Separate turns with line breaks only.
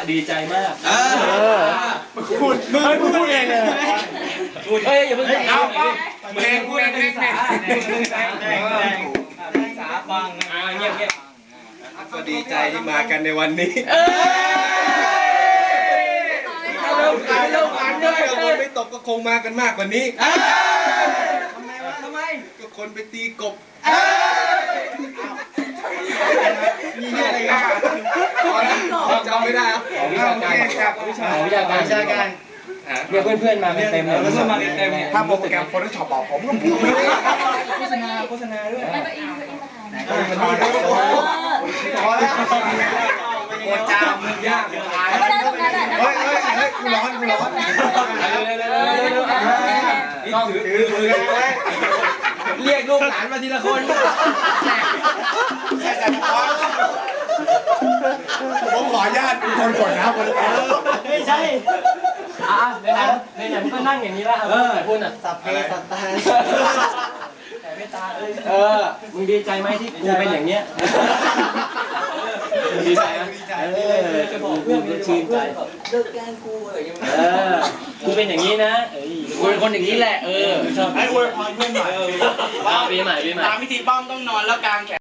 ดีใจมาก
พูดเองเลย
เฮ้ยอย่าเพิ่งจับเอา
เพลงสาฟัง
เงียบ
ก็ดีใจที่มากันในวันนี้ไม่ตกก็คงมากันมากกว่านี้ทำไมก็คนไปตีกบมีอะไรกันจำไม่ได้ครับ
วิชาการเนี่ยเพื่อนๆมาเต็มเลย
ถ้าโปรแกรม Photoshop บอกผมก็พูดไม่ได้โฆษณาด้วยพอแล้วโคจามมันยากเฮ้ยกูร้อน
ต้องถือเรียกลูกหลานมาทีละคน
ผมขออนุญาตเป็นคนกดนะคน
ไม่ใช่ในมึงก็นั่งอย่างนี้ละพูดอ่ะสับเพสับตาแต่ไม่ตามึงดีใจไหมที่กูเป็นอย่างเนี้ยดีใจจะบอกเพื่อนชื่นใจเลิกแกล้งกูอะไรอย่างเงี้ยกูเป็นอย่างนี้นะกูเป็นคนอย่างนี้แหละชอบให้อวยพรเพื่อนหน่อยปีใหม่ตามพิธีป้อมต้องนอนแล้วกางแขน